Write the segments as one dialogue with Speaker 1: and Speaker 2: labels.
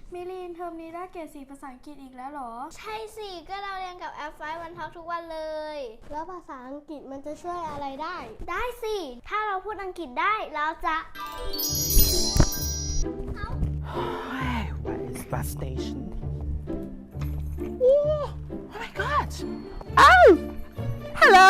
Speaker 1: มิลินเทอมนี้ได้เกรด4ภาษาอังกฤษอีกแล้วเหรอ
Speaker 2: ใช่สิก็เราเรียนกับแอปไฟวันท็อกทุกวันเลย
Speaker 3: แล้วภาษาอังกฤษมันจะช่วยอะไรได้
Speaker 2: ได้สิ ถ้าเราพูดอังกฤษได้เราจะ
Speaker 4: Where is bus station? Oh my god! Oh! Hello!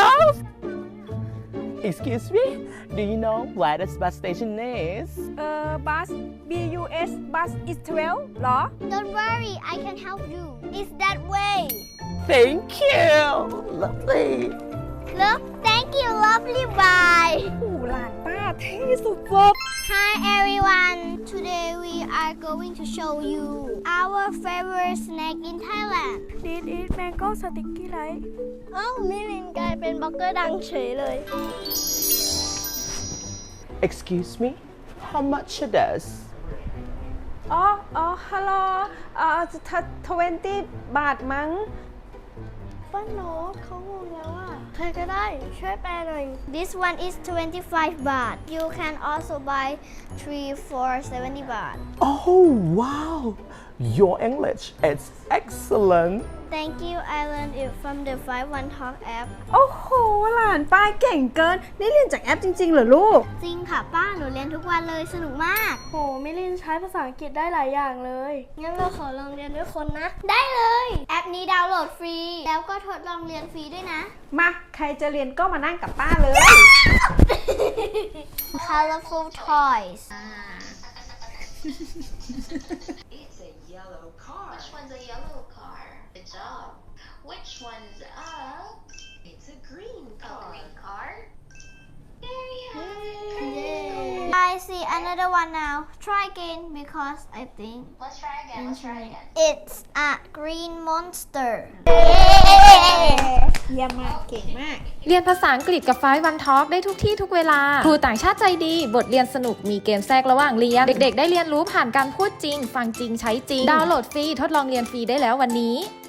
Speaker 4: Excuse me? Do you know where this bus station is?
Speaker 5: bus bus bus is 12 เหรอ
Speaker 2: Don't worry I can help you It's that way
Speaker 4: Thank you! Lovely!
Speaker 2: Look thank you lovely bye
Speaker 5: โอ้หลานป้าเท่สุด
Speaker 2: Hi everyone Today we are going to show you our favorite snack in Thailand
Speaker 1: This is mango sticky rice
Speaker 3: เอ้ามิลินกลายเป็นบล็อกเกอร์ดังเฉยเลย
Speaker 4: Excuse me? How much it is?
Speaker 5: อ๋อฮัลโหล20 บาทมั้ง
Speaker 3: ป้าโน้ตเขางงแล้วอ่ะใครก็ได้ช่วยแปลหน่อย
Speaker 2: This one is 25 baht You can also buy 3 for 70 baht
Speaker 4: Oh wow! Your English is excellent!
Speaker 2: Thank you I learned it from the 5 Talk app
Speaker 5: โอ้โหหลานป้าเก่งเกิน นี่เรียนจากแอปจริงๆเหรอลูก
Speaker 2: จริงค่ะป้าหนูเรียนทุกวันเลยสนุกมาก
Speaker 1: โหมิลินใช้ภาษาอังกฤษได้หลายอย่างเลย
Speaker 3: งั้นเราขอลองเรียนด้วยคนนะ
Speaker 2: ได้เลย แอปนี้ดาวน์โหลดฟรี แล้วก็ทดลองเรียนฟรีด้วยนะ
Speaker 5: มาใครจะเรียนก็มานั่งกับป้าเลย
Speaker 2: Colorful toys
Speaker 6: It's a yellow car. Which one's a yellow car? Good job. Which one's a? It's a green car. A green car? There you have it.
Speaker 2: I see another one now Try again because I think
Speaker 6: Let's try again. Let's try again.
Speaker 2: it's a green monster
Speaker 5: เยี่ยมมากเก่งมาก
Speaker 7: เรียนภาษาอังกฤษกับ5 One Talk ได้ทุกที่ทุกเวลา ครูต่างชาติใจดี บทเรียนสนุก มีเกมแทรกระหว่างเรียน เด็กๆ ได้เรียนรู้ผ่านการพูดจริง ฟังจริง ใช้จริง ดาวน์โหลดฟรี ทดลองเรียนฟรีได้แล้ววันนี้